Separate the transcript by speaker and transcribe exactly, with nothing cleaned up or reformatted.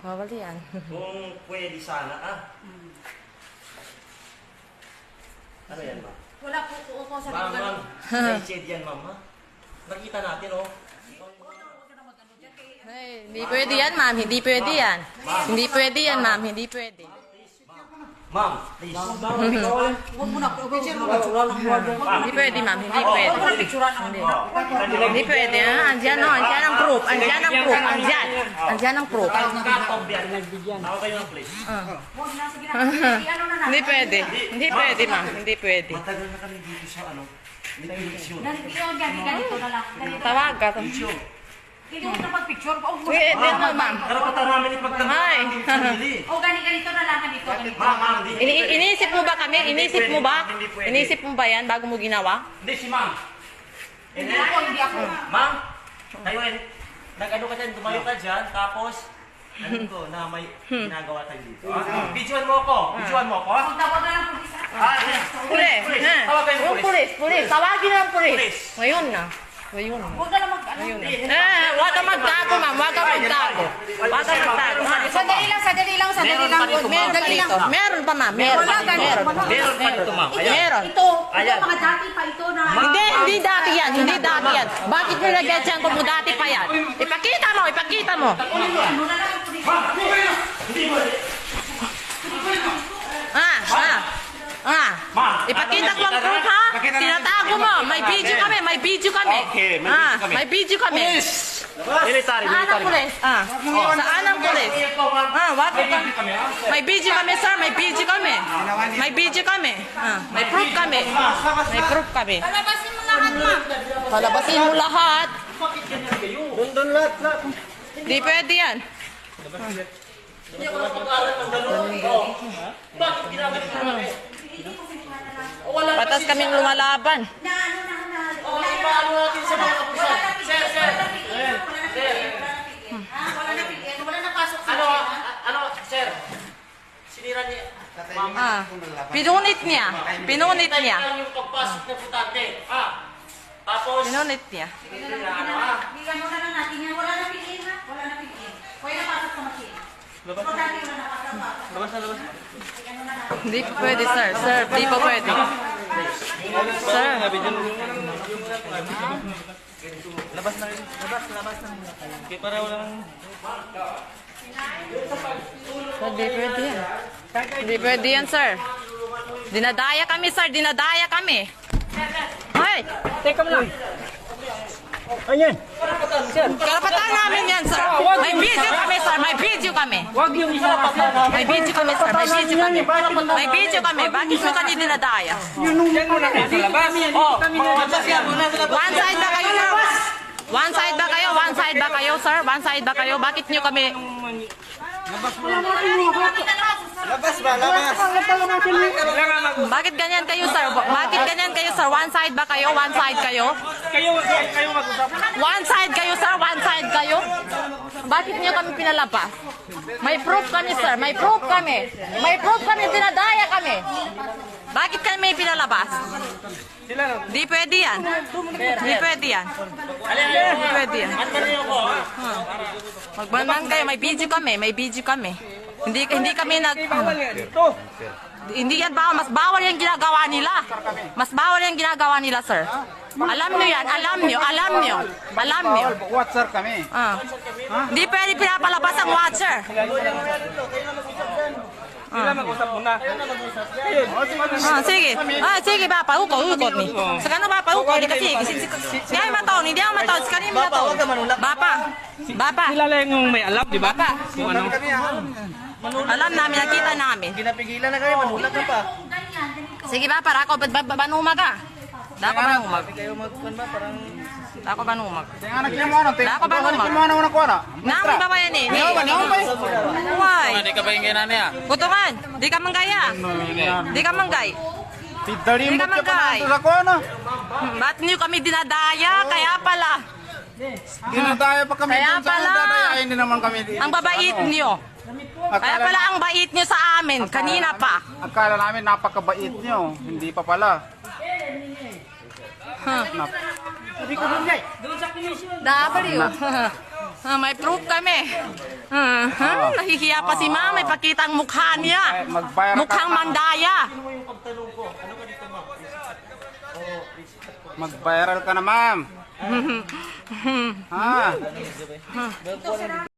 Speaker 1: Bawal yan.
Speaker 2: Kung pwede sana, ah. Ano yan, ma'am?
Speaker 3: Wala po po ako sa
Speaker 2: Ma'am, ma'am. Shade yan, ma'am, ha? Nakita natin, oh.
Speaker 1: Ay, hindi pwede yan, ma'am. Hindi pwede yan. Hindi pwede yan, ma'am. Hindi pwede.
Speaker 2: Ma'am, please.
Speaker 3: Huwag mo na, picture mo.
Speaker 1: Hindi pwede, ma'am. Hindi pwede. Hindi. Hindi pwede, ha? Andiyan, no? Andiyan ang proof. Andiyan ang proof. Andiyan. Andiyan ang proof.
Speaker 2: Katong yan. Tawag kayo ng please.
Speaker 3: Huwag na, sige na. Ano na na.
Speaker 1: Hindi pwede. Hindi pwede, ma'am. Hindi pwede.
Speaker 2: Matagal na kami dito sa ano. Eleksyon.
Speaker 3: Ganito yun, ganito, ganito na lang. Ganito.
Speaker 1: Tawag ka.
Speaker 2: Eleksyon.
Speaker 3: Hindi mo na pag-picture. Oh,
Speaker 1: Pwede naman, ma'am.
Speaker 2: Karapatan namin ipagtanggol
Speaker 1: Ay.
Speaker 2: ang sarili.
Speaker 3: oh, ganito, ganito na lang, ganito, ganito.
Speaker 2: Ma'am, ma'am, hindi.
Speaker 1: Ini iniisip mo ba kami? Iniisip mo ba? Iniisip mo ba yan bago mo ginawa?
Speaker 2: Hindi, si ma'am.
Speaker 3: Hindi ako, hindi ako.
Speaker 2: Ma'am, kayo eh, nag-ano ka dyan, tumayo ka dyan, tapos, ano ko, na may ginagawa tayo dito. Ah, Videoan mo ako, videoan mo ako.
Speaker 3: Huwag tawag na lang po isa.
Speaker 2: Ah, yes.
Speaker 1: Pulis.
Speaker 2: Pulis.
Speaker 1: Ha?
Speaker 2: Tawag kayo ng
Speaker 1: Yung
Speaker 2: pulis.
Speaker 1: pulis, pulis. Tawagin na ang pulis.
Speaker 2: Pulis.
Speaker 1: Ngayon na. Ngayon na.
Speaker 3: Huwag na lang mag, ano.
Speaker 1: Ngayon na. Eh, wag ka magtago, ma'am. Wag ka magtago. Wag ka magtago. ha?
Speaker 3: Sandali lang, sandali lang, sandali lang.
Speaker 2: Meron pa dito, ma'am.
Speaker 1: Meron pa dito. Meron pa, ma'am. Meron.
Speaker 3: Wala, ganito.
Speaker 1: Meron.
Speaker 2: Meron pa dito, ma'am. Ayan.
Speaker 1: Meron.
Speaker 3: Ito, ito
Speaker 2: Ayan.
Speaker 3: mga dati pa ito na.
Speaker 1: Hindi, hindi dati yan. Hindi dati yan. Bakit nilagyan siya kung dati pa yan? Ipakita mo, ipakita mo.
Speaker 3: Ano na lang, pulis.
Speaker 2: Hindi mo.
Speaker 1: Ah, ah. Ah, ipakita ko ang proof, ha? Tinatago mo. May video kami, may video kami.
Speaker 2: Okay, may
Speaker 1: Ah,
Speaker 2: video kami.
Speaker 1: may video kami.
Speaker 2: Military,
Speaker 1: Saan ang
Speaker 2: military.
Speaker 1: pulis? Ah, saan ang pulis? Ah, wag ka. May video kami, sir. May video kami. May video kami. Ah, may proof kami. May proof kami.
Speaker 3: Palabasin mo lahat, ma'am.
Speaker 1: Palabasin mo lahat.
Speaker 2: Doon, doon lahat, lahat.
Speaker 1: Di pwede yan.
Speaker 2: Hindi ako napag-aaral ng gano'n. Oh. Bakit ginagawa namin?
Speaker 1: Patas kaming lumalaban.
Speaker 3: Na, ano na, na.
Speaker 2: Oh, ipaano natin sa mga kapusan. Sir, sir. Sir.
Speaker 3: Ah, wala na pigyan, wala na pasok sa
Speaker 2: Ano,
Speaker 3: akin,
Speaker 2: ah, ano, sir? Sinira niya. Ma'am.
Speaker 1: Ah, pinunit niya. Pinunit niya.
Speaker 2: Tayo lang yung pagpasok ng putante. Ah. Tapos,
Speaker 1: Pinunit niya.
Speaker 2: sinira, ano, ah.
Speaker 3: Bigyan mo na lang natin yan. Wala na pigyan, ha? Wala na pigyan. Pwede na pasok sa machine. Labas na. Wala na pasok sa
Speaker 2: Labas na, labas.
Speaker 3: Bigyan mo na natin.
Speaker 1: Hindi po pwede, sir. Sir, hindi po pwede. Sir.
Speaker 2: Labas na rin. Labas, labas na. Okay, para walang...
Speaker 1: Hindi pwede yan. Hindi pwede yan, sir. Dinadaya kami, sir. Dinadaya kami. Ay!
Speaker 4: Teka mo lang. Ayan.
Speaker 1: Karapatan namin yan, sir. May video kami, sir. May video kami.
Speaker 4: Wag yung isa pa.
Speaker 1: May video kami, sir. May video kami. May video kami. Bakit mo kami dinadaya?
Speaker 4: Yan muna kayo sa labas. Oh,
Speaker 1: One side ba kayo, sir? One side ba kayo? One side ba kayo, sir? One side ba kayo? Bakit nyo kami...
Speaker 4: labas ba? Labas.
Speaker 1: Bakit ganyan kayo, sir? Bakit ganyan kayo, sir? One side ba kayo? One side kayo?
Speaker 4: Kayo, kayo mag-usap.
Speaker 1: One side kayo, sir? One side kayo? Bakit niyo kami pinalabas? May proof kami, sir. May proof kami. May proof kami. Dinadaya kami. Bakit kami pinalabas? Di pwede yan. Di pwede yan. Di pwede yan. Hmm. Magbanban kayo. May video kami. May video kami. Hindi hindi kami nag...
Speaker 4: Ito.
Speaker 1: Hindi yan bawal. Mas bawal yung ginagawa nila. Mas bawal yung ginagawa nila, sir. Alam nyo yan. Alam nyo. Alam nyo. Alam nyo.
Speaker 4: Watcher kami.
Speaker 1: Ah. Hindi pwede pinapalabas ang watcher.
Speaker 4: Sila mag-usap muna.
Speaker 1: Ah, sige. Ah, sige, Papa. Uko, ukot ni. Sa kanila, Papa, uko. Di kasi. Hindi ako mataon. Hindi ako mataon. Sa kanila mataon. Bapa. Bapa.
Speaker 4: Sila lang yung may alam, di ba?
Speaker 1: Bapa.
Speaker 4: Kung ano.
Speaker 1: Alam namin. Nakita namin.
Speaker 2: Pinapigilan na kayo, manulat na pa.
Speaker 3: Kung ganyan, ganito.
Speaker 1: Sige, Papa. Ako, banumag ka. Dako banumag.
Speaker 2: Kayo magkuhan ba, parang...
Speaker 1: Dako banumag.
Speaker 4: Tingnan na mo ano.
Speaker 1: Dako banumag.
Speaker 4: Tingnan mo ano ko na.
Speaker 1: Nami ba ba yan eh?
Speaker 4: Ano ba? Ano ba?
Speaker 1: Why?
Speaker 4: Hindi ka ba yung ginana niya?
Speaker 1: Kutungan. Di ka manggaya. Di ka manggay.
Speaker 4: Tidari
Speaker 1: Hindi
Speaker 4: mo
Speaker 1: ka
Speaker 4: ka pa
Speaker 1: manggay.
Speaker 4: na ko ano.
Speaker 1: Hmm, Ba't niyo kami dinadaya? Kaya pala.
Speaker 4: Ginadaya pa kami
Speaker 1: Kaya
Speaker 4: dun sa
Speaker 1: pala.
Speaker 4: dadayain din naman kami.
Speaker 1: Ang babait niyo. Kaya pala ang bait niyo sa amin. Kanina pa.
Speaker 4: Akala namin napakabait nyo. Hindi pa pala.
Speaker 1: Huh.
Speaker 4: Nap-
Speaker 1: W. Ah, may proof kami. Ah, ha? Nahihiya pa si ma'am. May pakita ang mukha niya.
Speaker 4: Eh, mag-viral ka.
Speaker 1: Mukhang mandaya.
Speaker 2: Sino mo yung pagtanong ko? Ano ka dito, ma'am? Oo,
Speaker 4: Mag-viral ka na, ma'am. Ha?